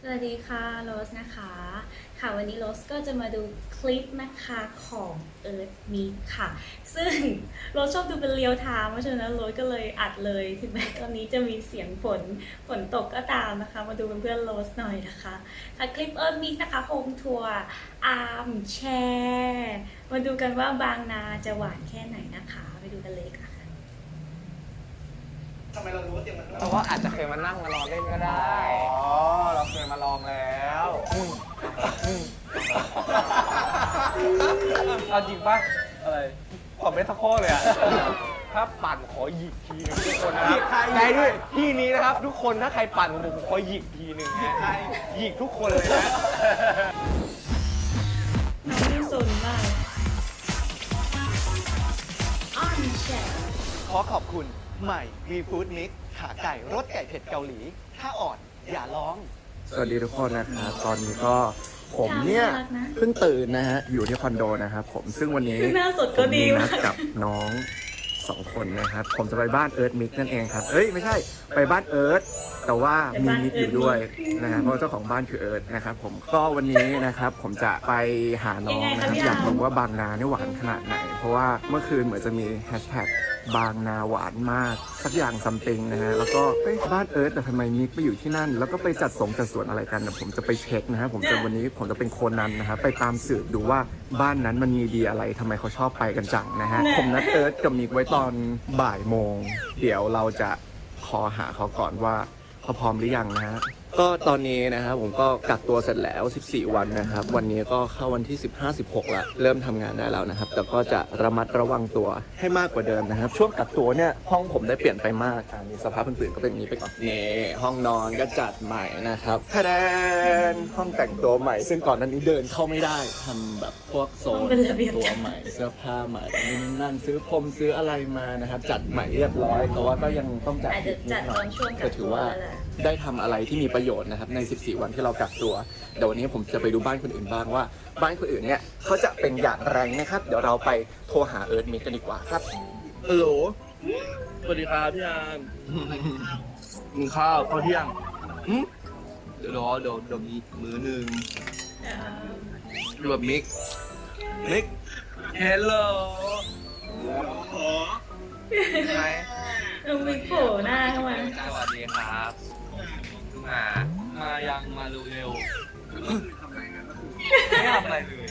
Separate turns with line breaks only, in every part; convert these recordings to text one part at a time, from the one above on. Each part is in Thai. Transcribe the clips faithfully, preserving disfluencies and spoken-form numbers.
สวัสดีค่ะโรสนะคะค่ะวันนี้โรสก็จะมาดูคลิปนะคะของ Earth Mix ค่ะซึ่งโรสชอบดูเป็นเรียลไทม์เพราะฉะนั้นโรสก็เลยอัดเลยถึงแม้ตอนนี้จะมีเสียงฝนฝนตกก็ตามนะคะมาดูเป็นเพื่อนโรสหน่อยนะคะค่ะคลิป Earth Mix นะคะโฮมทัวร์อาร์มแชร์มาดูกันว่าบางนาจะหวานแค่ไหนนะคะไปดูกันเลยค่ะ
ทำไมเรารู้ว่าเตียงมันนุ่ม
เพราะว่าอาจจะเคยมานั่งมารอเล่นก็ได้
อ๋อ เราเคยมาลองแล้วอืมอืม
เอาจริงป่ะ อะไรผมไม่สักข้อเลยอ่ะ ถ้าปั่นขอหยิกทีนึงทุกคนนะครับในด้วยที่นี้นะครับ ทุกคนถ้าใครปั่นผมผมขอหยิกทีนึงฮะหยิกทุกคนเลยนะ
น้องนี่สนมากอาร์มแชร์
ขอขอบคุณใหม่ V Food Mix ขาไก่รสไก่เผ็ดเกาหลี ถ้าอ่อนอย่าร้อง
สวัสดีทุกคนนะครับตอนนี้ก็ผมเนี่ยเพิ่งตื่นนะฮะอยู่ที่คอนโดนะครับผมซึ่งวันนี้
หน้าสดก็ดี
ผมมี
มา
นัด
ก
กับน้องสองคนนะครับผมจะไปบ้านเอิร์ธมิกนั่นเองครับเอ้ยไม่ใช่ไปบ้านเอิร์ธแต่ว่ามีมิกอยู่ด้วยนะฮะเพราะเจ้าของบ้านคือเอิร์ธนะครับผมก็วันนี้นะครับผมจะไปหาน้องนะครับอยากรู้ว่าบางนาเนี่ยหวานขนาดไหน เพราะว่าเมื่อคืนเหมือนจะมีแฮชแท็กบางนาหวานมากสักอย่างซัมติงนะฮะแล้วก็เอ้ยบ้านเอิร์ธแต่ทำไมมิกไปอยู่ที่นั่น แล้วก็ไปจัดสงจัดสวนอะไรกันนะผมจะไปเช็คนะฮะผมจะวันนี้ผมจะเป็นโคนนั้นนะครับไปตามสืบดูว่าบ้านนั้นมันมีดีอะไรทำไมเขาชอบไปกันจังนะฮะผมนัดเอิร์ธกับมิกไว้ตอนบ่ายโมงเดี๋ยวเราจะขอหาเขาก่อนว่าเขาพร้อมหรือยังนะฮะก็ตอนนี้นะครับผมก็กักตัวเสร็จแล้วสิบสี่วันนะครับวันนี้ก็เข้าวันที่สิบห้า สิบหกแล้วเริ่มทำงานได้แล้วนะครับแต่ก็จะระมัดระวังตัวให้มากกว่าเดิมนะครับช่วงกักตัวเนี่ยห้องผมได้เปลี่ยนไปมากอันนี้สภาพอื่นๆก็เป็นอย่างนี้ไปก่อนนี่ห้องนอนก็จัดใหม่นะครับทะแดนห้องแต่งตัวใหม่ ซึ่งก่อนหนั้นนี้เดินเข้าไม่ได้ทำแบบพวกโซนตัวใหม่เสื้อผ้าใหม่นี่นั่นซื้อพรมซื้ออะไรมานะครับจัดใหม่เรียบร้อยแต่ว่าก็ยังต้องจัด
อาจจะจัดตอนช่วงกั
แต่
ก
ถื
ตั
อ
ว
ว่า
แล้วแหละ
ได้ทำอะไรที่มีประโยชน์นะครับใน สิบสี่ วันที่เรากักตัว เดี๋ยววันนี้ผมจะไปดูบ้านคนอื่นบ้างว่า บ้านคนอื่นเนี่ยเขาจะเป็นอย่างไรนะครับ เดี๋ยวเราไปโทรหาเอิร์ธมิกกันดีกว่าครับ
ฮัลโหล สวัสดีครับพี่อามกินข้าวข้าวเที่ยงอืมเดี๋ยวรอเดี๋ยวเดี๋ยวมีมื้อหนึ่งรวมมิก มิก เฮลโหลไง
ต้องมีโผล่หน้าเข้ามา
สวัสดีครับมามายังมาเร็วๆไม่ทำอะไรเลย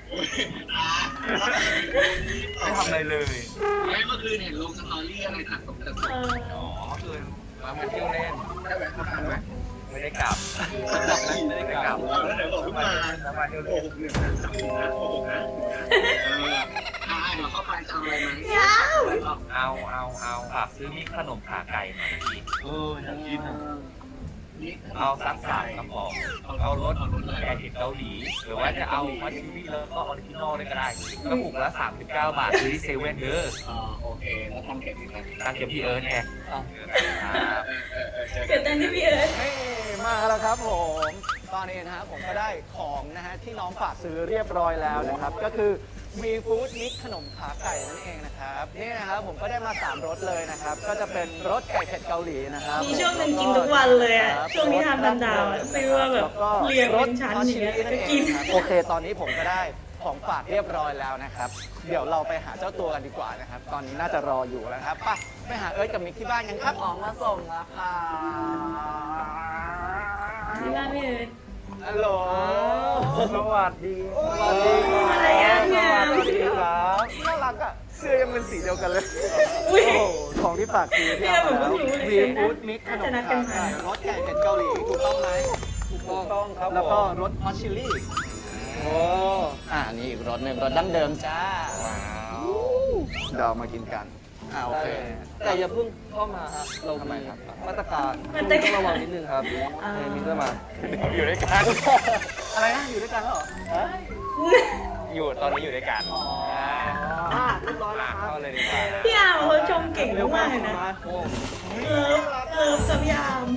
ไม่ทำอะไรเลย
ไม่เมื่อคืนเห็นลงสตอรี่อะไรตัดตกแต่
เออ
อ๋อเมื่อคืนมาเที่ยวเล่นได้แวะมาทานไหมไม่ได้กลับไม่ได้กลับ
แล้วเดี๋ยวบอกขึ้นมา
แล้วมาเที่ยว
โก
เล่น
หกหนึ่งนะจับนะโกหกนะเอออ่าเดี๋ยวเข้าไปจะเอาอะไรไหม
เอาเอาเอาฝากซื้อมีขนมขาไก่มากินเอออยากกินอ่ะ
นี่
เอาสักสามกระป๋องเอารสแกงเห็ดเกาหลี หรือว่าจะเอามัชชิมี่แล้วก็ออริจินอลเลยก็ได้กระปุกละสามสิบเก้าบาทซื้อที่เซเว่นเด้อ
อ่าโอเคแล้วทำเก็บอีกไหม
ตั้งเก็บพี่เอิร์ธไงครับ
เออเออเออเจอ
เกิดตอนที่พี่เอิร์ธ
เฮ้ยมาแล้วครับผม ตอนนี้นะฮะผมก็ได้ของนะฮะที่น้องฝากซื้อเรียบร้อยแล้วนะครับ ก็คือมีฟู้ดมิกขนมขาไก่นั่นเองนะครับนี่นะครับผมก็ได้มาสามรสเลยนะครับ ก็จะเป็นรสไก่เผ็ดเกาหลีนะครับ
มีช่วงหนึ่งกินทุกวันเลยอะช่วงนี้ทำดันดาวอะซื้อว่าแบบเรียงเป็นชั้นอย่างเงี้ยก็กิน
โอเค ตอนนี้ผมก็ได้ของฝากเรียบร้อยแล้วนะครับ เดี๋ยวเราไปหาเจ้าตัวกันดีกว่านะครับ ตอนนี้น่าจะรออยู่แล้วครับไปไปหาเอิร์ธกับมิกที่บ้านกันครับของมาส่งแล้วค่ะ
ที่บ้านพี่เอิร์ธ
ฮัลโหล
สวัสดี
สวัสดีครับ
อะไรอ่ะเนี่ย
สวัสดีครับน่ารักอ่ะเสื้อยังเป็นสีเดียวกันเลย
อุ้ย
โอ้โหของที่ฝากซื้อที่เอามาแล้ว
เนี่ยผมเพิ่งรู้เลย
วีฟู้ดมิกขน
น่าม จะนัดกั
ขาน
มา
ไก่รสไก่เผ็ดเกาหลีถูกต้องไหม
ถูกต้องครับ
แล้วก็รสฮอตชิลลี่
โอ้
อ่านี่อีกรสหนึ่งรสดั้งเดิมจ้า
ว้าว
เดี๋ยวเรามากินกันอ่าโอเค
แต่อย่าเพิ่งเข้ามาฮะเรา
ทำไมครับ
มาตรการ
มาตรการ
ต้องระวังนิดนึงครับ
อ่า
เอมินจะมา อยู่ด้วยกัน
อะไรนะอยู่ด้วยกันแล้วเหรอ
อยู่ตอนนี้อยู่ด้วยกัน
อ่าเรียบร้อยแล้วครับ
เข้าเลยดีกว่า
พี่อาร์มเขาชมเก่งมากเลยนะ
โอ้
เลิฟเลิฟกับพี่อาร์ม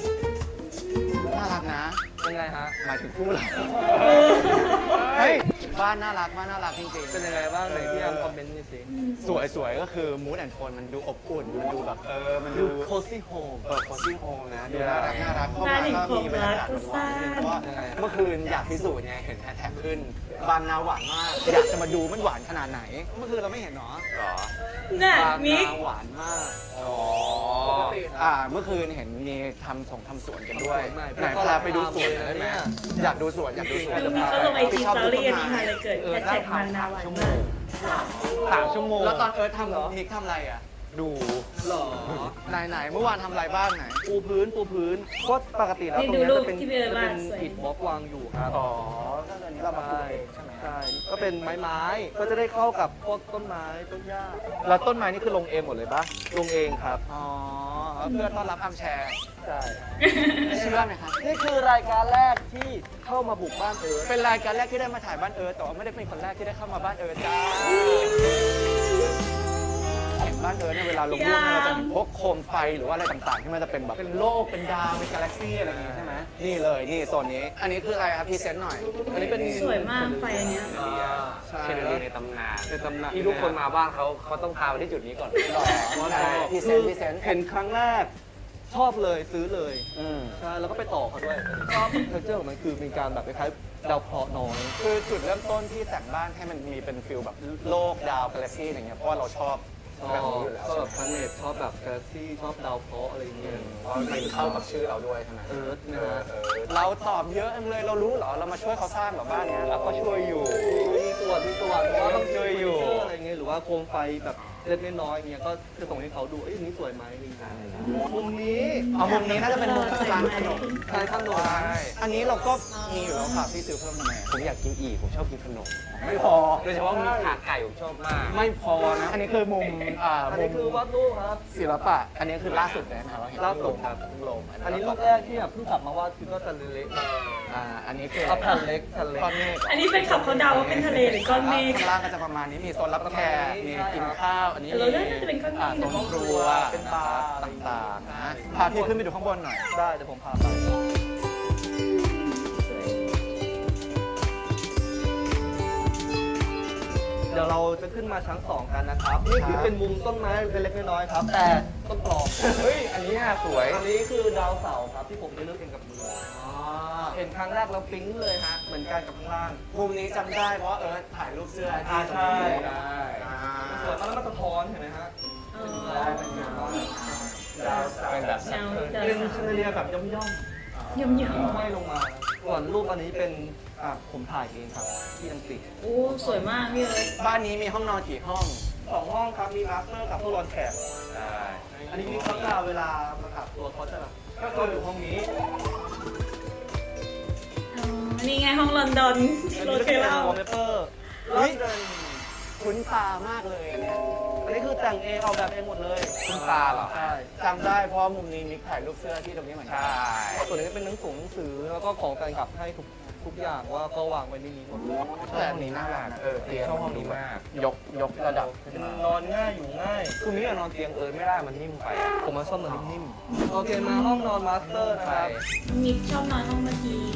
น่ารักนะ
เป็นไงฮะ
หมายถึงคู่เราเฮ้ยบ้านน่ารักบ้านน่ารักจริงๆ
เป็นยังไงบ้างไหนพี่อาร์มคอมเมนต์หน่อยสิ
สวยสวยก็คือมูดแอนโทนมันดูอบอุ่นมันดูแบบเออมัน
ดู
ดู
โคซี่โฮม
เปิดโคซี่โฮมนะดูน่ารักน่ารักเข้า
บ้าน
มา
แห่ง
ก็
ความ
มีบรร
รั
ยาก กาศ
ก็
หวา
ซ่าน
ๆเพราะว่าเมื่อคืนอยากพิสูจน์ไงเห็นแฮชแท็กขึ้นบางนาหวานมากอยากจะมาดูมันหวานขนาดไหน เมื่อคืนเราไม่เห็นเนาะ
หรอ
น่ะ
บาง
มิก
นาหวานมาก
อ๋อ
ปกติอ่าเมื่อคืนเห็นมีทำส่งทำสวนกันด้วย
ไม่
ไหนพาไปดูสวนหน่อยได้ไหมอยากดูสวนอยากดูสวน
ดูมิกเขาลงไอจีสตอรี่อันนี้ค่ะเลยเกิดแฮชแท็กบางนาหวานมาก
สามชั่วโมง
แล้วตอนเอิร์ธทำนิกทำอะไรอ่ะ ดู
หรอ
ไหนไหนๆเมื่อวานทำอะไรบ้างไหน
ปูพื้นปูพื้นก็ปกติแล้ว
นี่
ตรง
ดู
เนี้ย
รูป
จะเป็น
ที่พี่เอิร์ธ
จะเป็น
วาดสวย
อิฐบล็อกวางอยู่ครับ
อ๋อก็เลยเรามาปลูกเองใช่ไหม
ใช่ก็เป็นไม้ไม้ก็จะได้เข้ากับพวกต้นไม้ต้นหญ้า
แล้วต้นไม้นี่คือลงเองหมดเลยปะ
ลงเองครับ
อ๋อเพื่อต้อนรับอัมแชร์
ใช่
เชื่อไหมครับ
นี่คือรายการแรกที่เข้ามาบุกบ้านเอิร์ธ
เป็นรายการแรกที่ได้มาถ่ายบ้านเอิร์ธแต่ว่าไม่ได้เป็นคนแรกที่ได้เข้ามาบ้านเอิร์ธจ้าเห็นบ้านเอิร์ธเนี่ยเวลาลงรูปเนี่ยเราจะเห็นพวกโคมไฟหรือว่าอะไรต่างๆ ที่มันจะเป็นแบบเป็นโลกเป็นดาวเป็นกาแล็กซี่อะไรอย่างงี้ใช่ไหมนี่เลยนี่โซนนี้ อันนี้คืออะไรครับพรีเซนต์หน่อย
อันนี้เป็น
สวยมากไฟอันเนี้ย
ใช่
เชนเดอเรียในตำนาน
ในตำนาน
ที่ทุกคนมาบ้านเขาเขาต้องพาไปที่จุดนี้ก่อน
หล่อใช่พรีเซนต์พรีเซนต์
เห็นครั้งแรกชอบเลยซื้อเลย
อืม
ใช่แล้วก็ไปต่อเขาด้วยชอบเทคเจอร์ของมันคือเป็นการแบบคล้ายๆดาวเคราะห์น้อย
คือจุดเริ่มต้นที่แต่งบ้านให้มันมีเป็นฟิลแบบโลกดาวกาแล็กซี่อะไรเงี้ยเพราะว่าเราชอบ
ชอ
แบบ
บ
นี้อยู่แล้ว
ชอบ
ใช่
แบบ
ไหม
พาเนตชอบแบบกาแล็กซี่ชอบดาวเคราะห์อะไรอย่างเงี้ย
เพราะมันเข้ากับชื่อเราด้วยใช่ไหม
เอิร์ธนะฮะ
เออเราตอบเยอะจังเลยเรารู้เหรอเรามาช่วยเขาสร้างเหรอบ้านเนี้ยเราก็ช่วยอยู่
มีส่วนมีส่วนเพราะว่าต้อง
ช่วยอยู่
เทคเจอร์อะไรเงี้ยหรือว่าโคมไฟแบบเล็กน้อยๆอย่างเงี้ยก็จะส่งให้เขาดูเอ้ยอันนี้สวยไหมอะไรอย่างเงี้ยมุมนี้
เอามุมนี้น่าจะเป็นมุมกลางขนม
ใช่ข้างโน้น
ใช่อันนี้เราก็มีอยู่แล้วค่ะพี่ซื้อเพิ่มทำไม
ผมอยากกินอีก ผมชอบกินขนม
ไม่พอ
โดยเฉพาะมีขาไก่ผมชอบมาก
ไม่พอนะอันนี้คือมุมอ่า
อัน
มุ
นี้
ม
คือวาดรูปครับ
ศิลปะอันนี้คือล่าสุดเลยนะครับเราเห็น
ล่าสุด
ค
ค
รั
รั
บบ ลง
อันนี้รูปแรกที่แบบเพิ่งกลับมาวาดคือก็จะเละๆ
อ่าอันนี้คือ
เอาแผ่นเล็กแผ่นเล็ก
ก้อนเมฆ
อันนี้เป็นขับเขาเดาว่าเป็นทะเลหรือก้อนเมฆ
ข้างล่างก็จะประมาณนี้มีโซนรับแขกมีกินข้าวอันนี้
เราเลือกน่าจะเป็นก้อนเมฆ
อ่าโซนครัว
เป็นบาร์
ต่างๆนะพาพี่ขึ้นไปดูข้างบนหน่อย
ได้เดี๋ยวผมพาไป เดี๋ยวเราจะขึ้นมาชั้นสองกันนะครับ นี่คือเป็นมุมต้นไม้เล็กๆน้อยๆครับ แต่ต้นปลอม
เฮ้ย อันนี้น่าสวย
อันนี้คือดาวเสาร์ครับที่ผมได้เลือกเองกับมืออเห็นครั้งแรกเราปิ๊งเลยฮะ เหมือนกันกับข้างล่าง
มุมนี้จำได้เพราะว่าเอิร์ธถ่ายรูปเสื้อ
อ่า
ที่
ใช่
ได้
สวยมากแล้วมันสะท้อนเห็นไหมฮะ
อ๋อ
ได้เป็นเงา
ดาวเสาร์
เป็นแบบ
เงาเดา
เป็น
สา
ชนเลียแบบย่อม
ยมยม
ๆห้อยลงมา ส่วนรูปอันนี้เป็นอ่ะผมถ่ายเองครับที่อังกฤษ
โอ้สวยมากพี่เอิร์ธ
บ้านนี้มีห้องนอนกี่ห้อง
สองห้องครับ มีมาสเตอร์กับตู้รอนแขก
ใช่
อันนี้มีเขาจะเวลามาขับตัวเขาจะแบบก็จะอยู่ห้องนี้
อ๋อนี่ไงห้องลอนดอนที่โรถเคยเล่า
วอลเปเปอร์
เฮ้ย คุ้นตามากเลยอันเนี้ย
อันนี้คือแต่งเองออกแบบเองหมดเลย
คุณตาเหรอ
ใช่
จำได้เพราะมุมนี้มิกถ่ายรูปเสื้อที่ตรงนี้เหมือนกั
ใช่
ส่วนนี้เป็นหนังสือหนังสือแล้วก็ของแฟนคลับให้ทุกทุกอย่างว่าก็วางไว้ในนี้หมดเลย
แต่อันนี้น่ารักนะเออเตียง
ชอบห้องนี้มาก
ยกยกระดับขึ้นมาน
อนง่ายอยู่ง่าย
คือมิ้นนอนเตียงเอิร์ธไม่ได้มันนิ่มไปอะ
ผมมาชอบนอนนิ่มๆโอเคมาห้องนอนมาสเตอร์นะค
ใช่
รับ
มิกชอบนอนห้องเมื่อกี้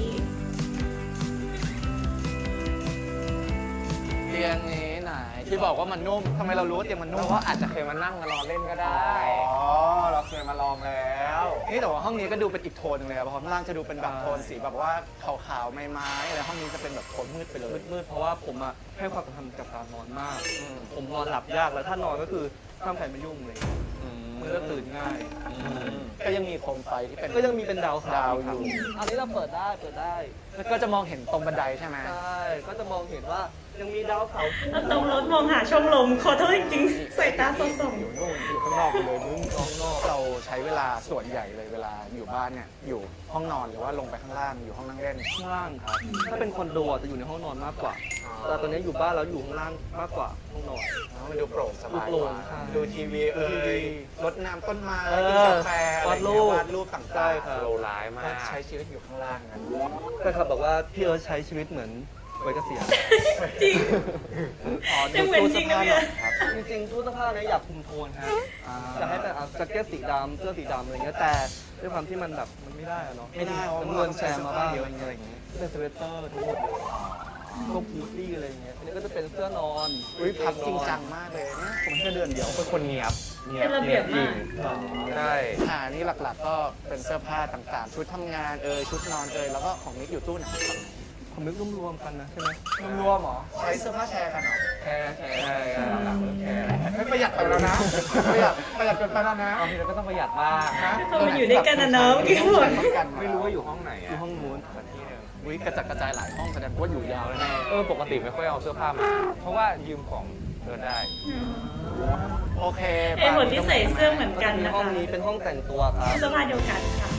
เตียงนี้ไหนที่บอกว่ามันนุ่มทำไมเรารู้ว่าเตียงมันนุ่
เพ
ม
ราะว่าอาจจะเคยมานั่งมานอนเล่นก็ได้
อ๋อเราเคยมาลองแล้วนี่แต่ว่าห้องนี้ก็ดูเป็นอีกโทนหนึงเลยอะเพราะข้างล่างจะดูเป็นแบบโทนสีแบบว่าขาวๆไม้ๆอะไรห้องนี้จะเป็นแบบโทนมืดไปเลย
มืดๆเพราะว่าผมอะให้ความสำคัญกับการนอนมาก ผมนอนหลับยากแล้วถ้านอนก็คือห้ามใครมายุ่งเลย มือก็ตื่นง่าย
ก็ยังมีโคมไฟที่เป็น
ก็ยังมีเป็นดาวเสา
ดาว
ร์
อยู่
อันนี้เราเปิดได้เปิดได้
แล้วก็จะมองเห็นตรงบันไดใช่ไหม
ใช่ก็จะมองเห็นว่ายังมีดาวเสาร์
แล้วตรงรถมองหาช่องลมขอโทษจริงๆสายตาสดส่อง
อยู่นู่นอยู่ข้างนอกไปเลยมึงข้างนอกเราใช้เวลาส่วนใหญ่เลยเวลาอยู่บ้านเนี่ยอยู่ห้องนอนหรือว่าลงไปข้างล่างอยู่ห้องนั่งเล่น
ข้างล่างครับ ถ้าเป็นคอนโดอะจะอยู่ในห้องนอนมากกว่า แต่ตอนนี้อยู่บ้านแล้วอยู่ข้างล่างมากกว่าห้องนอน
มันดูโปร่งสบาย
ดูโปร่ง
กว่า
ใช่
ดูทีวีเอ่
ดูทีวี
ยรดน้ำต้นไม้
เออ
กินกาแฟอะไรอย่างเงี้ยว
าดรูป
วาดรูปต่างๆ
ใช่ครับ
โลร้ายมา
ก็
ก
ใช้ชีวิตอยู่ข้างล่างกัน
แต่ครับบอกว่าพี่เอิร์ธใช้ชีวิตเหมือนวัยเกษียณ
จริง
อ๋อ
ยังเหมือนจริงนะพี่เอิร์ธ
ครับจริงๆตู้เสื้อผ้าเนี้อยากคุมโทนฮะจะให้แต่เอาแจ็คเก็ตสีดำเสื้อสีดำอะไรเงี้ยแต่ด้วยความที่มันแบบมันไม่ได้อะเนาะ
ไม่ได้เพราะ
จำนวนแชร์มาบ้างเยอะอะไรอย่างเงี้ยเป็นสเวตเตอร์ทั้งหมดเลยพวกบูตี้อะไรอย่างเงี้ยอันนี้ก็จะเป็นเสื้อนอน
อุ้ยพับจริงจังมากเลยเนี่ยผมแค่เดือนเดียว
เป็นคนเนียบ
เป็นระเบียบมาก
ใช่
อ่านี่หลักๆก็เป็นเสื้อผ้าต่างๆ ชุดทำงานเอยชุดนอนเอยแล้วก็ของนิกอยู่ตู้ไหน
ผมนึกรวมๆกันนะใช่ไหม
รวมๆหรอใช้เสื้อผ้าแชร์กันเหรอ
แค่แค่แค่หลักๆแค่
ไม่ประหยัดไปแล้วนะประหยัดประหยัดเกินไปแล้วนะ
บางทีเราก็ต้องประหยัดบ้าง
นะ
พอมันอยู่ด้วยกันนะเนาะเมื่อกี้หมด
ไม่รู้ว่าอยู่ห้องไหน
อยู่
อ่ะ
ห้องนู้น
สักที่หนึ่ง
อุ้ยกระจัดกระจายหลายห้องแสดงว่าอยู่ยาวแน่
เออปกติไม่ค่อยเอาเสื้อผ้ามา เพราะว่ายืมของเธอได้
โอเค
เอ้หมดที่ใส่เสื้อเหมือนกัน
มี
นะ
ห้อง
คะ
นี้เป็นห้องแต่งตัวครับ
เสื้อผ้าเดียวกันค่ะ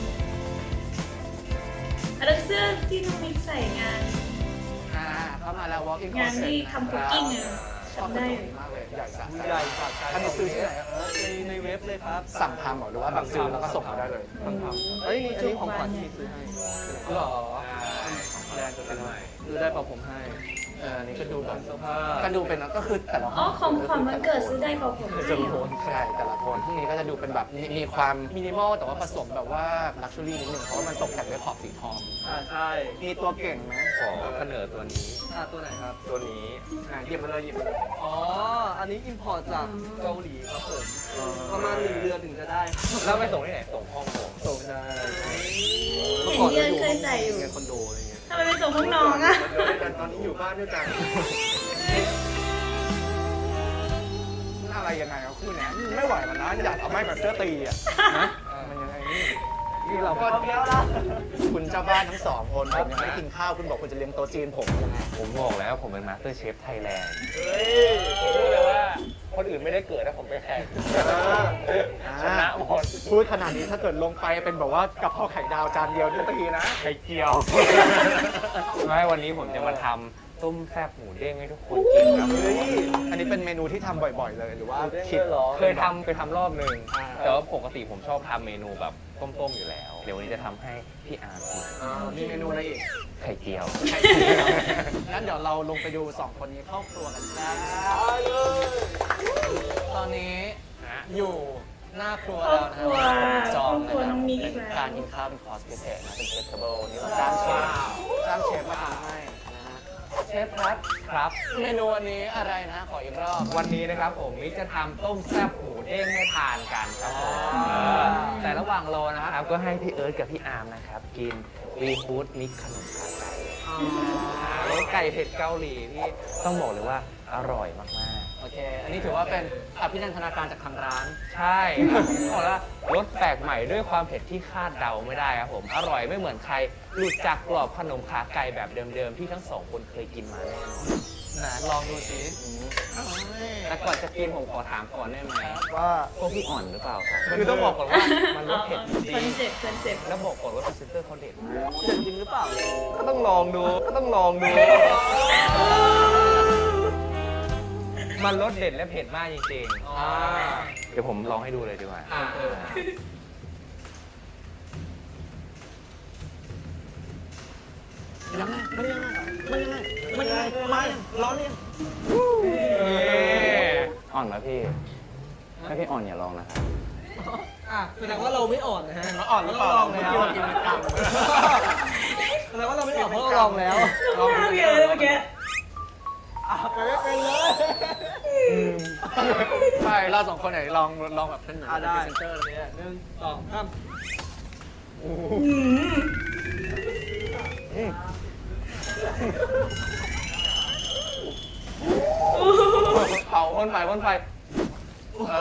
แล้วเสื้อที่น้องมิกใส่งาน
อ่าเข้ามาแล้ว walk in
งาน
closet
ที่ทำคุกกิ้งอะ
ชอบ
จำ
กระ
ได้
จกมากเลยใหญ่สะ
ใหญ่ฝากใจ
อันนี้ซื้อที่ไหนอะเออ
ในในเว็บเลยครับ
สั่งทำเหรอหรือว่าแบบซื้อแล้วก็ส่งมาได้เลย
สั่งทำเอ้ยนี่อันนี้ของขวัญที่ซื้อให้หรอแบรนด์ตัวไหนซื้อได้เปล่าผมให้
เอออันนี้ก็ดูแบบ
เสื้อผ้า
ก็ดูเป็นก็คือแต่ละห้
อ๋อ
อง
ของขวัญวันเกิดซื้อได้เปล่าผมให้
จะ
เห
มี
ร
โท
อน
ใช่แต่ละโทนที่นี้ก็จะดูเป็นแบบมีมีความมินิมอลแต่ว่าผสมแบบว่าลักชัวรี่นิดนึงเพราะว่ามันตกแต่งด้วยขอบสีทอง
อ่าใช่
มีตัวเก่งไหม
ขอเสนอตัวนี้
อ่าตัวไหนครับ
ตัวนี้
อ่ะหยิบมาเลยหยิบมาเลย
อ๋อ อันนี้อิมพอร์ตจากเกาหลีครับผม ประมาณหนึ่งเดือนถึงจะได้
แล้วไปส่งที่ไหน ส่งห้องผม
ส่งได้
เห็นเยือนเคยใส่อยู่
ในคอนโดอะไรเงี้ย
ทำไมไปส่งห้องน้องอะ
แต่ตอนนี้อยู่บ้านด้วยกัน
อะไรยังไงเอาคู่เนี้ยไม่ไหวแล้วนะอยากเอาไม้แบบเสื้อตีอ่ะนะมันยังไงนี่นี่เราก็คุณเจ้าบ้านทั้งสองคนผมยังไม่ได้กินข้าวคุณบอกคุณจะเลี้ยงโต๊ะจีนผมยังไง
ผมบอกแล้วผมเป็นมาสเตอร์เชฟไทยแลนด์
เฮ้ย
ผมพูดเลยว่าคนอื่นไม่ได้เกิดถ้าผมไปแข่งชนะหมด
พูดขนาดนี้ถ้าเกิดลงไปเป็นแบบว่ากะเพราไข่ดาวจานเดียวนี่ตีนะ
ไข่เจียว ไม่วันนี้ผมจะมาทำต้มแซ่บหมูเด้งให้ทุกคนกินครับ
เฮ้ยอันนี้เป็นเมนูที่ทำบ่อยๆเลยหรือว่าคิด
เคยทำเคยทำรอบหนึ่ง
อ่า
แต่ว่าปกติผมชอบทำเมนูแบบต้มๆอยู่แล้ว เดี๋ยววันนี้จะทำให้พี่อาร์มกิน
อ่ามีเมนูอะไรอีก
ไข่เจียว
ไข่เจียวงั้นเดี๋ยวเราลงไปดูสองคนนี้เข้าครัวกันนะตอนนี้อยู่หน้าครัวแล้วนะ
ครอบครัว
จอง
ครอบครัวน้องมิกอีกแล้ว
การกินข้าวเป็นคอร์สพิเศษนะเป็นเชฟเทเบิลนี่เราจ้างเชฟจ้างเชฟมาทำให้นะฮะเชฟครับ
ครับ
เมนูอันนี้อะไรนะ ขออีกรอบ
วันนี้นะครับผมมิกจะทำต้มแซ่บหมูเด้งให้ทานกันครับผม
อ่า
เออแต่ระหว่างรอนะครับก็ให้พี่เอิร์ธกับพี่อาร์มนะครับกินวีฟู้ดมิกขนมขาไก่รสไก่เผ็ดเกาหลีที่ต้องบอกเลยว่าอร่อยมากๆ
โอเค อันนี้ถือว่าเป็นอภินันทนาการจากทางร้าน
ใช่ครับบอกแล้วรสแปลกใหม่ด้วยความเผ็ดที่คาดเดาไม่ได้ครับผม อร่อยไม่เหมือนใคร หลุดจากกรอบขนมขาไก่แบบเดิมๆ ที่ทั้งสองคนเคยกินมาแน่นอน
นะลองดูสิ
แต่ก่อนจะกินผมขอถามก่อนได้ไหม
ว่า
พวกพี่อ่อนหรือเปล่าครับคือต้องบอกก่อนว่ามันรสเผ็ดจริ
คอน
ง
เซ็ปต์คอนเซ็ปต์
ๆแล้วบอกก่อนว่าพรีเซนเตอร์เขาเด็ดมาก
จะจริงหรือเปล่า
ก็ต้องลองดู ก็ต้องลองดู มันรสเด็ดและเผ็ดมากจริงๆ
อ่า
เดี๋ยวผมลองให้ดูเลยดีกว่า
อ่า ยังไงมันยังไงมันยังไงมันยังไงมายังร้อนยัง
อ่อนไหมพี่ ถ้าพี่อ่อนอย่าลองนะครับ
อ่ะแสดงว่าเราไม่อ่อนนะฮะ
อ่อนหรือเปล่า
ลองแล้ว
เรากินเป็นกำ
แสดงว่าเราไม่อ่อนเพราะเราลองแล้ว
น้องน่าเบียเลยเมื่อกี้
อ่ะไปไม่เป็นเลยใช่เราสองคนไหนลองลองแบบเป็นเหมือน
อ่ะ
เป็น
ได้
พรีเซนเตอร์อะไรเงี้ย
หนึ่งสองสาม
อืม
เผาพ่นไฟพ่นไฟเอ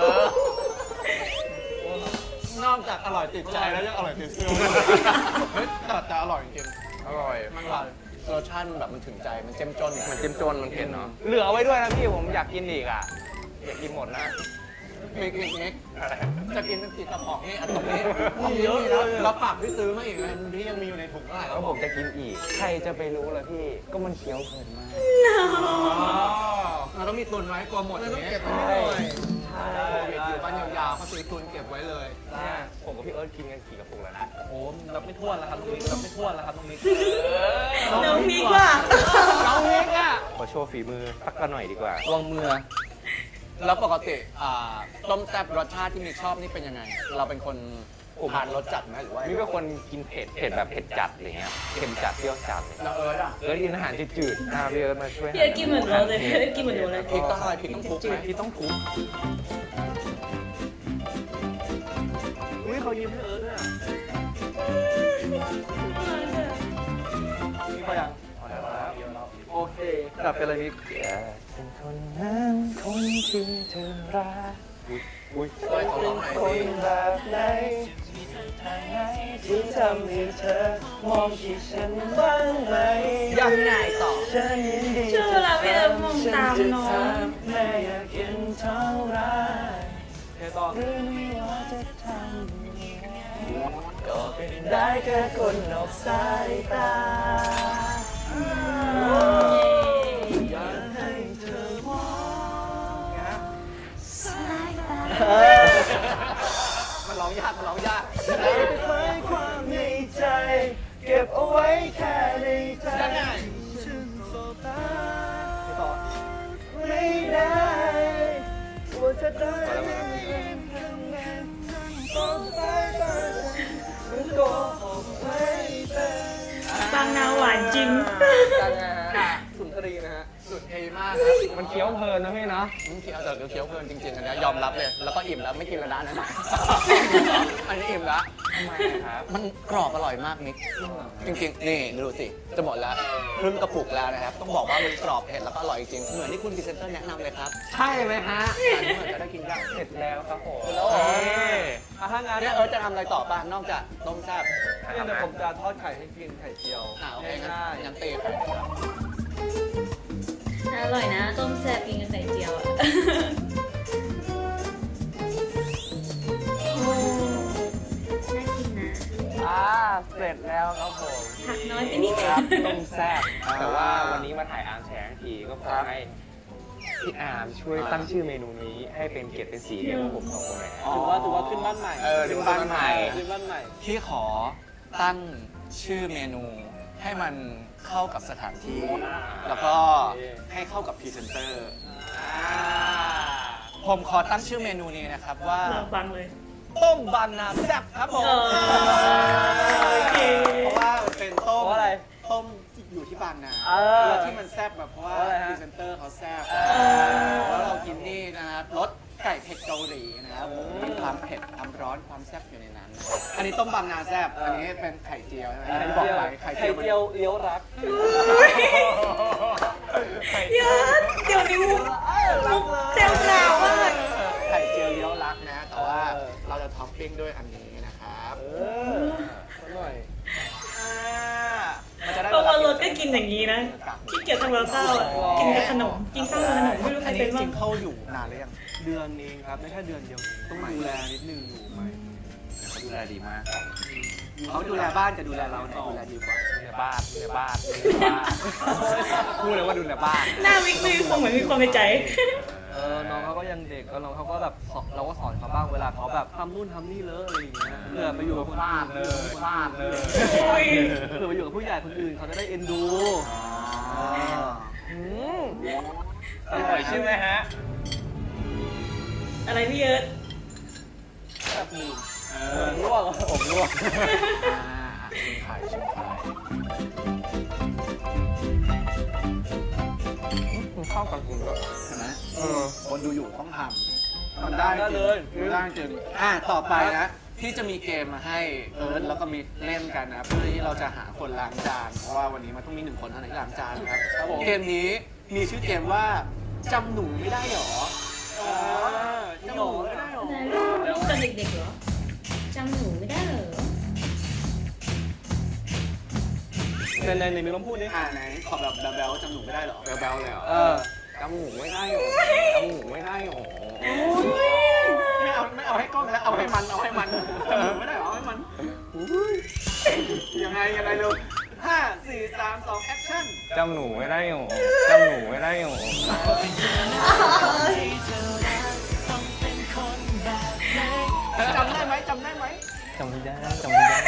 อนอกจากอร่อยติดใจแล้วยังอร่อยติดเสื้อเฮ้ยแต่แต่อร่อยจริง
อร่อย
ๆมันแบบรสชาติมันแบบมันถึงใจมันเจ้มจน
มันเจ้มจนมันเผ็ดเนาะ เหลือไว้ด้วยนะพี่ ผมอยากกินอีกอ่ะ อยากกินหมดนะ
มิกมิกมิกจะกินเป็นติดกระป๋องนี่อันตรงนี้มีเยอะเลยแล้วปากที่ซื้อมาอีกนะที่ยังมีอยู่ในถุงเท่าไหร่
แล้วผมจะกินอีก ใครจะไปรู้ล่ะพี่ ก็มันเคี้ยวเพลินมาก
เราต้องมีตุนไว้กลัวหมดอย่างนี้
เก็บไว้หน่อย
ใช่อยู่บ้านยาวๆเขาซื้อตุนเก็บไว้เลย
เนี่ยผมกับพี่เอิร์ธกินกันกี่กระปุกแล้วนะ
โอ้โหรับไม่ถ้วนแล้วครับตรงนี้รับไม่ถ้วนแล้วครับตรงนี้
น้องมิกว่ะ
น้องมิกอ่ะ
ขอโชว์ฝีมือสักกันหน่อยดีกว่า
ลองมือ
แล้วปกติอ่าต้มแซ่บรสชาติที่มิกชอบนี่เป็นยังไง เราเป็นคน
ผม
ทานรสจัดไหมหรือว่า
นี่เป็นคนกินเผ็ดเผ็ดแบบเผ็ดจัดอะไรเงี้ยเค็มจัดเปรี้ยวจัดเลย
แล้วเอิร์ธอ่ะ
เออกินอาหารจืดๆอ่าพี่เอิร์ธมาช่วย
พี่เอิร์ธกินเหมือนเราเลยพี่เอิร์ธกินเหมือนหนูเลย
พริกต้องอะไรพริกต้องทุบไหม
พี่ต้องทุบอุ้ยเขายิ้มให้เอิร์ธด้วยอะ
นี่ก็ยัง
โอเคกลับไปเลยมิกอย่าเป็นคนนั้นคนที่เธอรักอุ้ย
ช่วยเขาลองหน่อย
ค
สิ
นแบบไหนทางไหนที่ทำให้เธอมองที่ฉันบ้างไหม
ยังไงต่อ
ฉันยินดี
ช่วงเวลาพี่เอิร์ธมองตามน้อง
แม่อยากเห็นเท่าไรแค่ต่อหรือไม่ว่าจะทำยังไงก็เป็นได้แค่คนนอกสายตาอยากให้เธอมอง
มันร้องยากมันร้องยาก
ไม่เคยความในใจ เก็บเอาไว้แค่ในใจ
ยังไง
ฉันโสตา
พี่ต่อ
ไม่ได้ว่าจะได้เป็นคำแนะนำต้องไปตามันโกหกไม่เป็น
บางนาหวานจริง
จังนะฮะสุนทรีนะฮะ
สุดเทมากครับ
มันเคี้ยวเพลินนะพี่เนาะ
มึงเคี้ยวแต่เคี้ยวเพลินจริงๆอันเนี้ยยอมรับเลย แล้วก็อิ่มแล้วไม่กินแล้วนะนั่นน่ะอันนี้อิ่มแล้ว
ทำไมครับ
มันกรอบอร่อยมากมิกจริงๆ นี่ดูสิ จะหมดแล้วครึ่งกระปุกแล้วนะครับ ต้องบอกว่ามันกรอบเผ็ดแล้วก็อร่อยจริง เหมือนที่คุณพรีเซนเตอร์แนะนำเลยครับ
ใช่ไหมฮะ
อันนี้เหมือนจะได้กินยาก
เสร็จแล้วครับผม
แล้วเหรอ
อ่ะถ้างาน
เนี่ยเออจะทำอะไรต่อป่ะ นอกจากต้มแซ่บ
เนี่ยเดี๋ยวผมจะทอดไข่ให้กินไข่เจียว
อ่าโอเคงั้น
ง่าย
งั้นเตะ
อร่อยนะต้มแซ่บกินกับไข่เจียวอ่ะ โอ้น่ากินนะ
ๆอ่าเสร็จแล้วครับผม
ผักน้อยไปนิด
ครับต้มแซ่บ
อ่า
แต่ว่าวันนี้มาถ่ายอาร์มแฉทั้งทีก็ขอให้พี่อาร์มช่วยตั้งชื่อเมนูนี้ให้เป็นเกียรติเป็นสีให้พวกผมสองคนหน่อย
ถือว่าถือว่าขึ้นบ้านใหม่
เออถือว่าขึ้นบ้านใหม่
ขึ้นบ้านใหม่ ที่ขอตั้งชื่อเมนู ให้มันเข้ากับสถานที่ แล้วก็ให้เข้ากับพรีเซนเตอร์ ผมขอตั้งชื่อเมนูนี้นะครับว่า
เราฟังเลย
ต้มบางนาแซ่บครับผม
เออโอเค
เพราะว่ามันเป็นต้ม
เพราะอะไร
ต้มอยู่ที่บางนา
เออ
แล้วที่มันแซ่บแบบเพราะว่า
เพราะอะไรฮะ
พรีเซนเตอร์เขาแซ่บ
อ
แล้วเรากินนี่นะครับรสไก่เผ็ดเกาหลีนะครับผมมีความเผ็ดความร้อนความแซ่บอยู่ในนั้นนะครับอันนี้ต้มบางนาแซ่บอันนี้เป็นไข่เจียวใช่ไหมที่บอกไปไข่เจียวมัน
เลี้ยวรัก
เยอะเดี๋ยวนี้มุกมุกเซลล์กราวมาก
ไข่เจียวเลี้ยวรักนะ แต่ว่าเราจะท็อปปิ้งด้วยอันนี้นะครับ
เอออร่อย
มันจะได้
เพราะว่ารถก็กินอย่างนี้นะขี้เกียจทำกับข้าวอ่ะกินกับขนม กินข้าวกับขนมไม่รู้ใคร
อัน
เป็
นี้
น
จ
บ้า
ริ
ง
งๆเข้าอยู่นานหรือยัง
เดือนเองครับไม่แค่เดือนเดียวต้องดูแลนิดนึงอยู่ไหมเขาดูแลดีมาก
เขาดูแลบ้านจะดูแลเราเนี่ยดูแลดีกว่า
ดูแลบ้านดูแลบ้านดูแลบ้านพูดเลยว่าดูแลบ้าน
หน้าวิกไม่มีความเหมือนมีความในใจ
เออน้องเขาก็ยังเด็กแล้วน้องเขาก็แบบสอนเราก็สอนเขาบ้างเวลาเขาแบบทำนู่นทำนี่เลยอะไรอย่างเงี้ยเพื่อไปอยู่กับคน
ฟา
อื่
ด
น
เลยฟาดเลย
เพื่อไปอยู่กับผู้ใหญ่คนอื่นเขาจะได้เอ็นดูอืม
อร่อยใช่ไหมฮะ
อะไรพี่เอิร์ธ
ผมร่วงผมร่วง
อ่าชิมไข่ชิมไข่
มันเข้ากันจริงด้วย
ใช่ไหม
เออ
คนดูอยู่ต้องทำทำได้จริงทำได้จริงอ่ะต่อไปนะ ที่จะมีเกมมาให้เอิร์ธแล้วก็มิกเล่นกันนะเพื่อที่เราจะหาคนล้างจาน เพราะว่าวันนี้มันต้องมีหนึ่งคนเท่านั้นที่ล้างจานนะครับเกมนี้มีชื่อเกมว่าจำหนูไม่ได้หรอจำหนูไม่ได้หรอ
นะลูกลูกตอนเด็กๆเหรอจำหนูไม่ได้เหรอ
ในในในมีน้องพูดนี่
อ่าไหนขอแบบแบ๊วๆจำหนูไม่ได้หรอ
แบลๆเลยเหรอ
เออ
จำหมูไม่ได้หรอจำหมูไม่ได้หรอ
ไม่เอาไม่เอาให้กล้องแล้วเอาให้มันเอาให้มันจำหนูไม่ได้หรอเอาให้มันยังไงยังไงเร็วห้าสี่สามสองแอคชั่น
จำหนูไม่ได้หรอจำหนูไม่ได้หรอ
จำได้ไหมจำได้ไหม
จำไม่ได้จำไม่ได้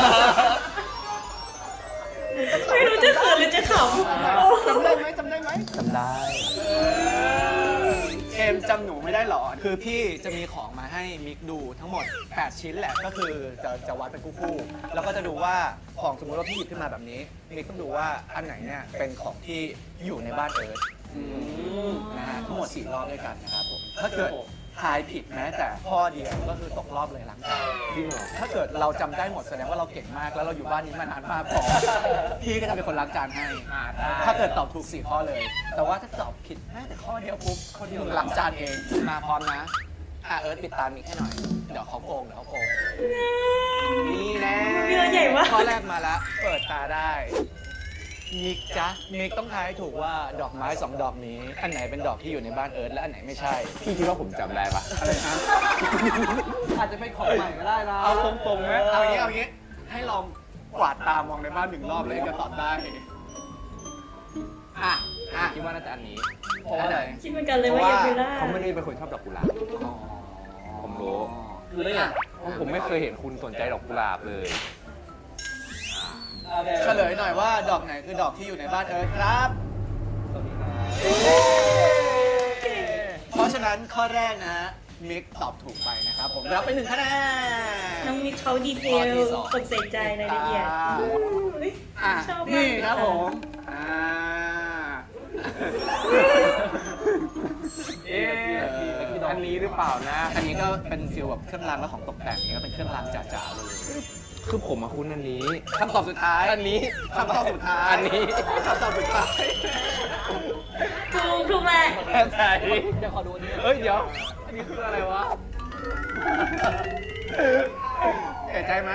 ไม่รู้จะเขินหรือจะขำโอ้
จำได้ไหมจำได้ไหม
จำได้
เกมจำหนูไม่ได้หรอ คือพี่จะมีของมาให้ให้มิกดูทั้งหมดแปดชิ้นแหละก็คือจะจะวัดเป็นคู่ๆแล้วก็จะดูว่าของสมมติว่าพี่หยิบขึ้นมาแบบนี้มิกต้องดูว่าอันไหนเนี่ยเป็นของที่อยู่ในบ้านเอิร์ธนะฮะทั้งหมดสี่รอบด้วยกันนะครับผมถ้าเกิดทายผิดแม้แต่ข้อเดียวก็คือตกรอบเลยล้างจานถ้าเกิดเราจำได้หมดแสดงว่าเราเก่งมากแล้วเราอยู่บ้านนี้มานานมากพอพี่ก็จะเป็นคนล้างจานให้ถ้าเกิดตอบถูกสี่ข้อเลย แต่ว่าถ้าตอบผิดแม้แต่ข้อเดียวปุ๊บข้อเดียวล้างจานเองมาพร้อมนะอ่ะเอิร์ธปิดตามิกให้หน่อยเดี๋ยวเขาโกงเดี๋ยวเขาโกงนี่แน่
เรือใหญ่มาก
ข้อแรกมาแล้วเปิดตาได้มิกจ๊ะมิกต้องทายให้ถูกว่าดอกไม้สองดอกนี้ อันไหนเป็นดอกที่อยู่ในบ้านเอิร์ธและอันไหนไม่ใช่
พี่คิดว่าผมจำได้ปะ
อะไรนะ
อาจจะเป็นของใหม่ก็ได้นะ
เอาตรงๆไหมเอาอย่างนี้เอาอย่างนี้ ให้ลองกวาดตามองในบ้านหนึ่งรอบแล้วเองจะตอบได้อ่ะอ่ะ
คิดว่าน่าจะอันนี้
เพราะว่าอะไร
คิดเหมือนกันเลยว่า
เพราะ
ยา
ว่า
บิล่า
เขาไม่ได้เป็นคนชอบดอกกุหลาบผมรู้
คือได้ไง
เพราะผมไม่เคยเห็นคุณสนใจดอกกุหลาบเลย
เฉลยหน่อยว่าดอกไหนคือดอกที่อยู่ในบ้านเอิร์ธครับ
สวัสดีครับ
เพราะฉะนั้นข้อแรกนะมิกตอบถูกไปนะครับผมรับไปหนึ่งคะแนน
น้องมิกเขาดีเท
ข้อ
ล
ที่สอง
กดใส่ใจรายละเอียดอุ๊ย
อ่ะ
ชอบมาก
นี่
เลย
ครับ
ค่ะ
ผมอ่า
เอ๊ะอันนี้หรือเปล่านะ
อันนี้ก็เป็นฟิลแบบเครื่องรางและของตกแต่งนี่ก็เป็นเครื่องรางจ๋าๆเลย
คือผมมาคุ้นอันนี้
คำตอบสุดท้าย
อันนี้
คำตอบสุดท้าย
อันนี้
คำตอบสุดท้าย
ถูกถูกแหละ
แค่ไหน
เดี๋ยวขอดูอันนี้
เอ้ยเดี๋ยว อันนี้คืออะไรวะ
เห็นใจไหม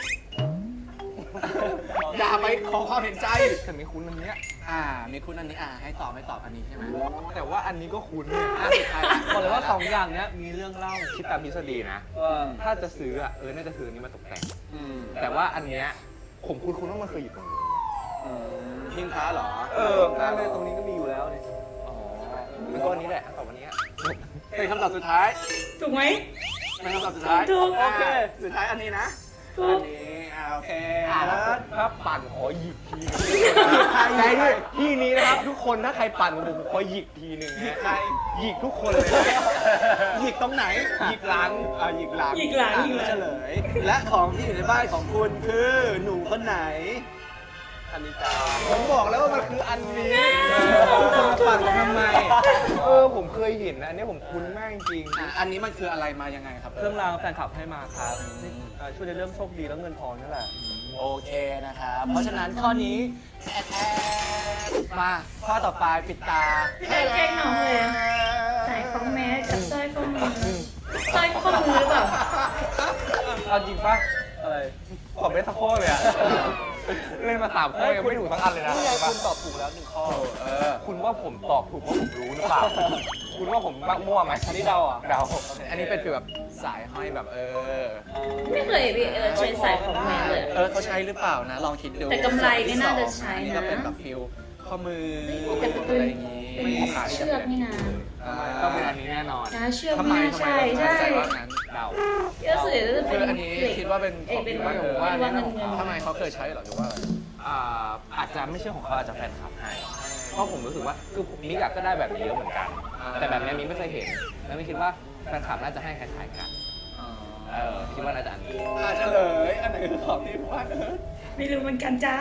อย่าไปขอความเห็นใจ
แต่ไม่คุ้นอันเนี้ย
อ่า มีคุณอันนี้อ่าให้ตอบไม่ตอบอันนี้ใช่ไหม
แต่ว่าอันนี้ก็คุ้นเนี่ย
อ่ะสุดท้าย
บอกเลยว่าสองอย่างเนี้ยมีเรื่องเล่า
คิดตามทฤษฎีนะ
ว่า
ถ้าจะซื้ออ่ะ เออ น่าจะซื้ออันนี้มาตกแต่ง
อืม
แต่ว่าอันเนี้ย ผมคุ้นๆว่ามันเคยอยู่ตรงนี้
อืมหิ้งพระเหรอ
เออ
หน้าแม่ตรงนี้ก็มีอยู่แล้วนี่
อ๋อมันก็อันนี้แหละตอบวันนี้อะ
เป็นคำตอบสุดท้าย
ถูกไหม
เป็นคำตอบสุดท้าย
ถูก
โอเค สุดท้ายอันนี้นะ
ถู
อั
ก
นนี้อ่าโอเค
อ่ะ
แล้ว
ถ้าปั่นขอหยิกทีนึงใช่ด้วยที่นี้นะครับทุกคนถ้าใครปั่นผมผมขอหยิกทีหนึ่ง
หยิก
นะ
ใคร
หยิกทุกคนเลย
หยิกตรงไหน
หยิกหลัง
อ่าหยิกหลัง
หยิกหลัง
อ่ะ
หยิกหลัง
เฉลย และของที่อยู่ในบ้านของคุณคือหนูคนไหน
อันนี้จ้า
ผมบอกแล้วว่ามันคืออันนี้
คุณมาปั่นผมทำไม เออผมเคยเห็นนะอันนี้ผมคุ้นมากจริง
อ่ะอันนี้มันคืออะไรมายังไงครับ
เครื่องรางแฟนคลับให้มาครับเอ่อช่วยในเรื่องโชคดีแล้วเงินทองนั่นแหละ
โอเคนะครับ เพราะฉะนั้นข้อนี้แอดแอดมาข้อต่อไปปิดตา
พี่เอิร์ธแกล้งน้องเลยอะใส่ข้อแมสกับสร้อยข้อมือสร้อยข้อมือหรือเปล่า
เอาจริงปะ
อะไร
ตอบไม่สักข้อเลยอะเล่นมาสามข้อยังไม่ถูกสักอันเลยนะ
นี่ไงคุณตอบถูกแล้วหนึ่งข้อ
เออ
คุณว่าผมตอบถูกเพราะผมรู้หรือเปล่า คุณว่าผมมักมั่วไหม
อันนี้เดาอ่ะ
เดา
อันนี้เป็นฟีลแบบสายห้อยแบบเออ
ไม่เคยพี่เอิร์ธใช้สายข้อแมสเลย
เออเขาใช้หรือเปล่านะ ลองคิดดู
แต่กำไรเนี่ยน่าจะใช้นะ
นี่ก็เป็นแบบฟิลข้อมือ
แต่เป็น
อะไรอย่างงี้
เป็นเชือกนี่นะ
อ่า
ต้องเป็นอันนี้แน่นอน
นะเชือก
ทำไม
ไม่น่า
ทำไม
ใช่
เรา
ใช่
ใส่ว่างั้น
เดา
เยอะสุดจะ
คื
เป็น
ออันนี้
เหล็ก
คิดว่าเป็น
เอ้ยเป็น
ของ
ว่า
ว่า
ว่าเงินเงิน
ทำไมเขาเคยใช้เหรอหรือว่าอะไร
อ่าอาจจะไม่ใช่ของเขาอาจจะแฟนคลับให้ เพราะผมรู้สึกว่าคือมิกอะก็ได้แบบนี้เยอะเหมือนกัน แต่แบบนี้มิกไม่เคยเห็น แล้วไม่คิดว่าแฟนคลับน่าจะให้คล้ายๆกัน เออคิดว่าน่าจะอันนี้
อ่าเฉลย อันไหนคือของที่ว่าเออ
ไม่รู้เหมือนกันจ้า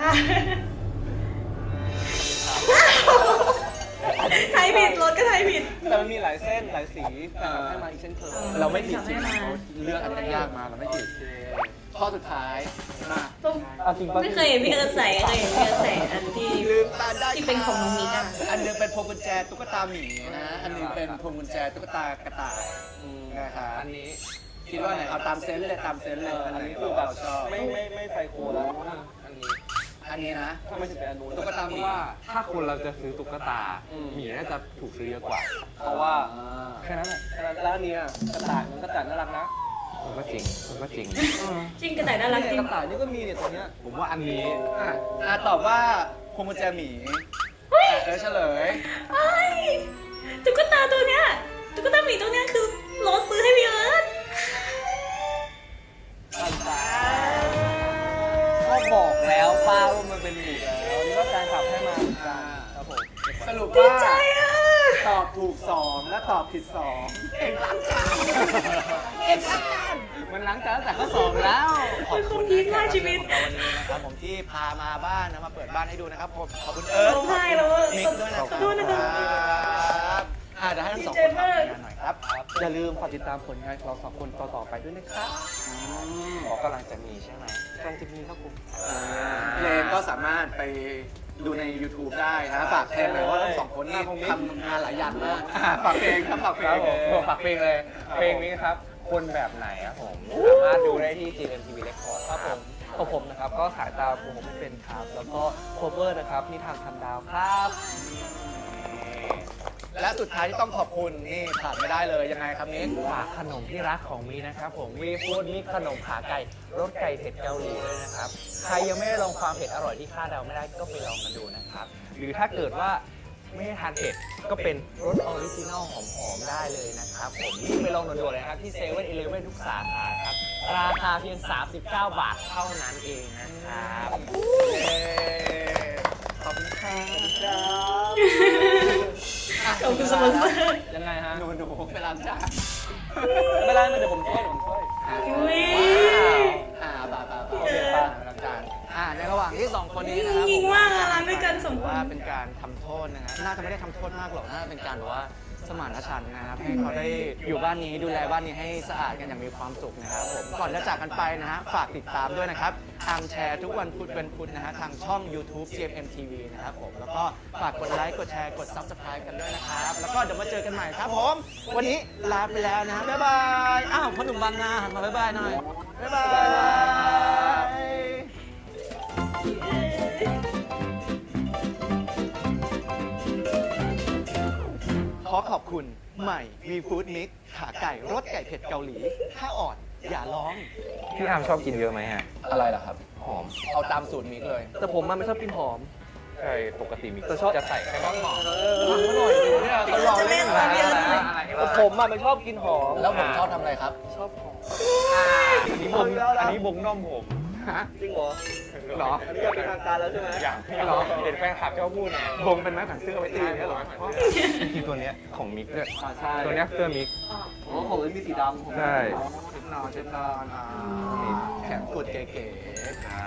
ไทยผิดรถก็ไทยผิด
แต่มันมีหลายเส้นหลายสีแฟนคลับให้มาอีกเช่นเคย
เราไม่ผิดจริง
ให้มา
เขาเลือกอันที่ยากมาเราไม่ผิดข้อสุดท้ายมา
ต้อง
เอาจริงปะ
ไม่เคยเห็นพี่เอิร์ธใส่เคยเห็นพี่เอิร์ธใส่อันที่
ลืมตาได้
ที่เป็นของน้องมิกอะ
อันหนึงเป็นพวงกุญแจตุ๊กตาหมีนะ อันหนึงเป็นพวงกุญแจตุ๊กตากระต่ายนะครับ
อันนี้
คิดว่าไหนเอาตามเซนส์เลยตามเซนส์เลย
อันนี้
คื
คือ อ
แบ
แบบ บ
ชอบ
ไม่ไม่ไม่ไซโคแล้ว
อันนี้
อันนี้นะ
ทำไมถึงเป็นอันนู้น
ตุ๊กตา
เพ
หมี
ราะว่าถ้าคนเราจะซื้อตุ๊กตาหมีน่าจะถูกซื้อเยอะกว่า
เพราะว่า
อ่า
แค่นั้นแหละ
แล้วอันเนี้ยกระต่ายมันกระต่ายน่ารักนะ
ผมก็จริงผมก็จริง
จริงกระต่ายน่ารักจริ
ก
ง
ระต่ายนี่ก็มีเนี่ยตัวเนี้ย
ผมว่าอันนี้
อ่ะอ่ะตอบว่าพวงกุญแจหมีอ่ะเออเฉลย
ไอ้ยตุ๊กตาตัวเนี้ยตุ๊กตาหมีตัวเนี้ยคือโรสซื้อให้พี่เอิร์ธ
ก็บอกแล้วป้าว่ามันเป็นหมีแล้วนี่ก็แฟนคลับให้มาเหมือนกันครับผม
สรุป
ดี
ว่า
ใจอ่ะ
ตอบถูกสองและตอบผิดสองเก่งล้างจาน
เก็บอาการ
มันล้างจานตั้งแต่ข้อสองแล้ว
ขอบคุณ
เป็นคนพีคมากชีวิต
ของเราวันนี้นะครับผมที่พามาบ้านนะมาเปิดบ้านให้ดูนะครับผมขอบคุณเอิร์ธ
ร้องไห้แล้วอะ
มิกด้วยนะค
ขอโทษนะครั
รับ บอ่าเดี๋ยวให้ทั้งสองคนทำงานหน่อยครับ
อย่าลืมฝากติดตามผลงานของเราสองคนต่อๆไปด้วยนะครับ
บอกกำลังจะมีใช่ไหม
กำลังจะมีครับผม
เพลงก็สามารถไปดูใน YouTube ได้นะฝากเพลงเลยว่าทั้งสองคนนี้ทำงานหลายอย่างมากอ่ะฝากเพลงครับฝากเพล
ครั
ง
บผมฝากเพลงเลย เพลงนี้ครับ คนแบบไหนครับผม สามารถดูได้ที่ จี เอ็ม ที วี Record
ครับผมของผมนะครับก็สายตาผมไม่เป็นครับ แล้วก็โคเวอร์นะครับนิทานพันดาวครับ
และสุดท้ายที่ต้องขอบคุณนี่ขาดไม่ได้เลยยังไงครับนิก
ฝากขนมที่รักของมีนะครับผมวีฟู้ดมีขนมขาไก่รสไก่เผ็ดเกาหลีด้วยนะครับ ใครยังไม่ได้ลองความเผ็ดอร่อยที่คาดเดาไม่ได้ก็ไปลองกันดูนะครับ หรือถ้าเกิดว่าไม่ได้ทานเผ็ดก็เป็นรสออริจินัลหอมๆได้เลยนะครับผมรีบไปลองด่วนๆเลยนะครับที่เซเว่นอีเลฟเว่นทุกสาขาครับ ราคาเพียง สามสิบเก้า บาทเท่านั้นเองนะครับ
ขอบคุณครับ
ขอบคุณสปอนเซอร์
ยังไงฮะ
หนูหนูไปล้างจาน
ไม่เป็นไรไม่เดี๋ยวผมช่วยผมช่วย
อุ้ย
อ่าบ่าบ่าบ่าโอเคป่ะล้างจานอ่าในระหว่างที่สองคนนี้นะครับ
ยิงว่างอะล้างด้วยกันสองคน
ว่าเป็นการทำโทษนะฮะน่าจะไม่ได้ทำโทษมากหรอกน่าจะเป็นการแบบว่าสมานฉันท์นะครับให้เขาได้อยู่บ้านนี้ดูแลบ้านนี้ให้สะอาดกันอย่างมีความสุขนะครับผมก่อนจะจากกันไปนะฮะฝากติดตามด้วยนะครับทางแชร์ทุกวันพุธเป็นพุธนะฮะทางช่อง YouTube จี เอ็ม ที วี นะครับผมแล้วก็ฝากกดไลค์กดแชร์กด Subscribe กันด้วยนะครับแล้วก็เดี๋ยวมาเจอกันใหม่ครับผมวันนี้ลาไปแล้วนะฮะบ๊ายบายอ้าวพ่อหนุ่มบางนาหันมาบ๊ายบายหน่อยบ๊ายบายขอขอบคุณใหม่วีฟู้ดมิกขาไก่รสไก่เผ็ดเกาหลี ถ้าอ่อนอย่าร้อง
พี่อาร์มชอบกินเยอะไหมฮะ
อะไรล่ะครับ
หอม
เอาตามสูตรมิกเลย
แต่ผมมันไม่ชอบกินหอม
ใช่ปกติมี
แต่ชอบ
จะใส่แค่ต้นหอม
ฟังเขาหน่อยดิเนี่ยเขาหล่อเล่น
อะไร
นะ
อะไร
แต่ผมอะมันชอบกินหอม
แล้วผมชอบทำอะไรครับ
ชอบหอม
อันนี้บงอันนี้บงน่อมผม
ฮะ
จริงเหรอ
เหรอ
อันนี้ก็เป็นทางการแล้วใช่ไหม
อย่างเหรอเห็นแฟนคลับชอบพูดเนี่ยบงเป็นไม้แขวนเสื้อเอาไว้ตีเนี่ยเหรอจริงๆตัวเนี้ยของมิกด้วย
อ่าใช่
ตัวเนี้ยเสื้อมิก
อ๋อของเลยมีสีดำผม
ใช่
เช็ดนอนเช็ดนอนอ่าแขนกุดเก๋ๆ
ใช่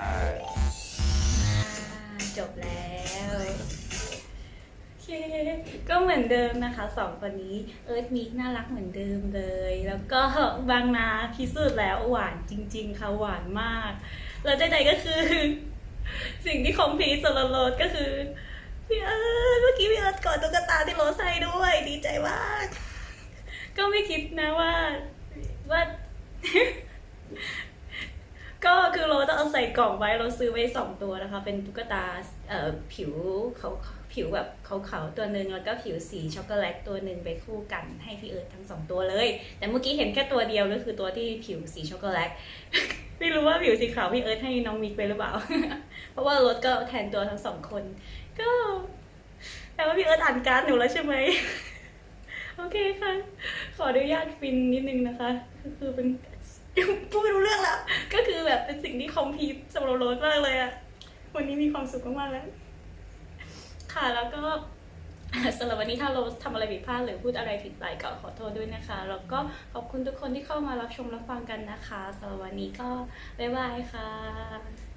จบแล้วโอเคก็เหมือนเดิมนะคะสองคนนี้เอิร์ธมิกน่ารักเหมือนเดิมเลย แล้วก็บางนาพิสูจน์แล้วหวานจริง ๆ ค่ะหวานมากแล้วใดๆก็คือ สิ่งที่คอมพลีทสำหรับโรสก็คือพี่เอิร์ธเมื่อกี้พี่เอิร์ธกอดตุ๊กตาที่โรสใส่ด้วยดีใจมากก็ไม่คิดนะว่าว่า ก็คือโรสจะเอาใส่กล่องไว้เราซื้อไว้สองตัวนะคะเป็นตุ๊กตาเอ่อผิวเขาผิวแบบขาวๆตัวหนึ่งแล้วก็ผิวสีช็อกโกแลตตัวหนึ่งไปคู่กันให้พี่เอิร์ธทั้งสองตัวเลย แต่เมื่อกี้เห็นแค่ตัวเดียวก็คือตัวที่ผิวสีช็อกโกแลต ไม่รู้ว่าผิวสีขาวพี่เอิร์ธให้น้องมิกไปหรือเปล่า เพราะว่าโรสก็แทนตัวทั้งสองคน ก็แต่ว่าพี่เอิร์ธอ่านการ์ดหนูแล้วใช่ไหม โอเคค่ะ ขออนุญาตฟินนิดนึงนะคะก็คือเป็น พูดไม่รู้เรื่องแล้ว ก็คือแบบเป็นสิ่งที่คอมพลีทสำหรับโรสมากเลยอะวันนี้มีความสุขมากๆแล้ว ค่ะแล้วก็ สำหรับวันนี้ถ้าโรสทำอะไรผิดพลาดหรือพูดอะไรผิดไปก็ขอโทษด้วยนะคะ แล้วก็ขอบคุณทุกคนที่เข้ามารับชมรับฟังกันนะคะสำหรับวันนี้ก็บ๊ายบายค่ะ